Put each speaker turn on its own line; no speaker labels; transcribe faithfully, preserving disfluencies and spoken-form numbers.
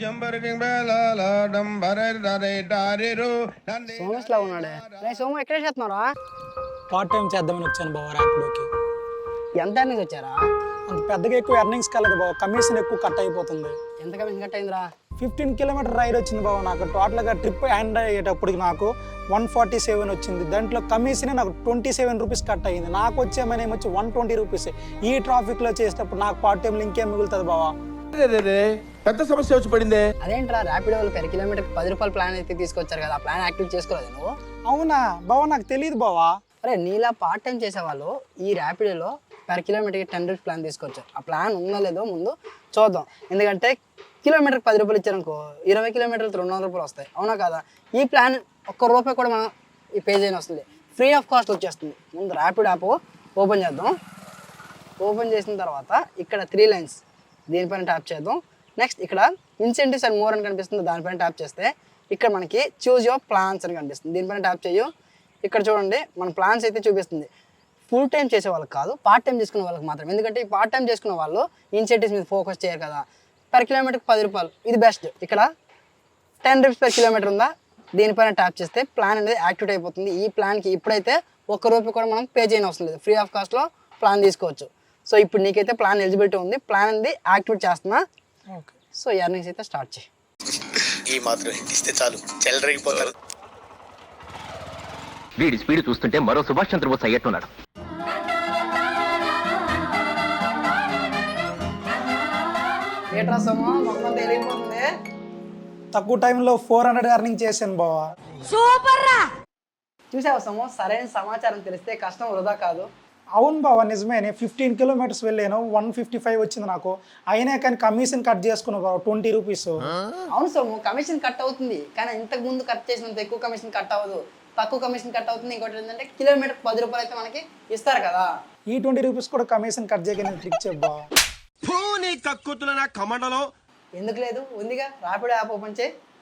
సోమస్ లా ఉన్నాడే. రే సోము ఎక్కడ చేస్తున్నారా?
పార్ట్ టైం చేద్దామని వచ్చాను బావ ర్యాపిడోకి.
ఎంత ఎర్నింగ్స్ వచ్చారా?
అంత పెద్దగా ఎక్కువ ఎర్నింగ్స్ కాలేదు బావ, కమిషన్ ఎక్కువ కట్ అయిపోతుంది.
ఎంత కమిషన్ కట్ అయిందిరా?
ఫిఫ్టీన్ కిలోమీటర్ రైడ్ వచ్చింది బావ నాకు. టోటల్గా ట్రిప్ ఎండ్ అయ్యేటప్పటికి నాకు వన్ ఫార్టీ సెవెన్ వచ్చింది. దాంట్లో కమిషనే నాకు ట్వంటీ సెవెన్ రూపీస్ కట్ అయ్యింది. నాకు వచ్చే మనీ వచ్చి వన్ ట్వంటీ రూపీస్. ఈ ట్రాఫిక్లో చేసేటప్పుడు నాకు పార్ట్ టైంలో ఇంకేం మిగులుతుంది బావ?
పెద్ద సమస్య వచ్చి పడిందే.
అదేంట్రా, ర్యాపిడో వాళ్ళు పెర్ కిలోమీటర్ పది రూపాయలు ప్లాన్ అయితే తీసుకొచ్చారు కదా, ఆ ప్లాన్ యాక్టివ్ చేసుకోలేదు నువ్వు?
అవునా బావ, నాకు తెలియదు బావా.
అరే నీలా పార్ట్ టైం చేసేవాళ్ళు ఈ ర్యాపిడోలో పెర్ కిలోమీటర్కి టెన్ రూపీస్ ప్లాన్ తీసుకొచ్చారు. ఆ ప్లాన్ ఉందో లేదో ముందు చూద్దాం. ఎందుకంటే కిలోమీటర్కి పది రూపాయలు ఇచ్చారనుకో, ఇరవై కిలోమీటర్లు రెండు వందల రూపాయలు వస్తాయి. అవునా కదా? ఈ ప్లాన్ ఒక్క రూపాయి కూడా మనం ఈ పేజ్ అయినా వస్తుంది, ఫ్రీ ఆఫ్ కాస్ట్ వచ్చేస్తుంది. ముందు ర్యాపిడ్ యాప్ ఓపెన్ చేద్దాం. ఓపెన్ చేసిన తర్వాత ఇక్కడ త్రీ లైన్స్ దీనిపైన ట్యాప్ చేద్దాం. నెక్స్ట్ ఇక్కడ ఇన్సెంటివ్స్ అండ్ మోర్ అని కనిపిస్తుంది, దానిపైన ట్యాప్ చేస్తే ఇక్కడ మనకి చూజ్ యువర్ ప్లాన్స్ అని కనిపిస్తుంది. దీనిపైన ట్యాప్ చేయు. ఇక్కడ చూడండి మన ప్లాన్స్ అయితే చూపిస్తుంది. ఫుల్ టైం చేసే వాళ్ళకి కాదు, పార్ట్ టైం చేసుకునే వాళ్ళకి మాత్రం. ఎందుకంటే ఈ పార్ట్ టైం చేసుకునే వాళ్ళు ఇన్సెంటివ్స్ మీద ఫోకస్ చేయరు కదా. పర్ కిలోమీటర్కి పది రూపాయలు ఇది బెస్ట్. ఇక్కడ టెన్ రూపీస్ పర్ కిలోమీటర్ ఉందా, దీనిపైన ట్యాప్ చేస్తే ప్లాన్ అనేది యాక్టివేట్ అయిపోతుంది. ఈ ప్లాన్కి ఇప్పుడైతే ఒక్క రూపాయి కూడా మనం పే చేయని అవసరం లేదు, ఫ్రీ ఆఫ్ కాస్ట్లో ప్లాన్ తీసుకోవచ్చు. సో ఇప్పుడు నీకైతే ప్లాన్ ఎలిజిబిలిటీ ఉంది, ప్లాన్ అనేది యాక్టివేట్ చేస్తున్నా.
ఓకే,
సో ఎర్నింగ్స్ అయితే స్టార్ట్ చేయి.
ఈ మాత్రం ఇస్తే చాలు, చెల్లరగిపోతారు.
వీడి స్పీడ్ చూస్తుంటే మరో సుభాష్ చంద్రబోస్ అయ్యట్టున్నాడు.
ఏట్రా సోమా, మొత్తం తెలియకపోతుంది.
తక్కువ టైంలో ఫోర్ హండ్రెడ్ ఎర్నింగ్ చేశాను బావా.
చూసావా సోము, సరైన సమాచారం తెలిస్తే కష్టం వృధా కాదు.
అవును బావా, నిజమే. నేను ఫిఫ్టీన్ కిలోమీటర్స్ వెళ్ళాను, వన్ ఫిఫ్టీ ఫైవ్ వచ్చింది నాకు. అయినా కానీ కమిషన్ కట్ చేసుకున్నావు బావ, ట్వంటీ రూపీస్.
అవును సోము, కమిషన్ కట్ అవుతుంది, కానీ ఇంతకు ముందు కట్ చేసినంత ఎక్కువ కమిషన్ కట్ అవ్వదు, తక్కువ కమిషన్ కట్ అవుతుంది. ఇంకోటి ఏంటంటే కిలోమీటర్ పది రూపాయలు అయితే మనకి ఇస్తారు కదా.
ఈ ట్వంటీ రూపీస్ కూడా కమిషన్ కట్ చేయగలిగిన ట్రిక్ చెప్పా.
ఎందుకు లేదు, ఉందిగా ర్యాపిడో యాప్ ఓపెన్ చేయి.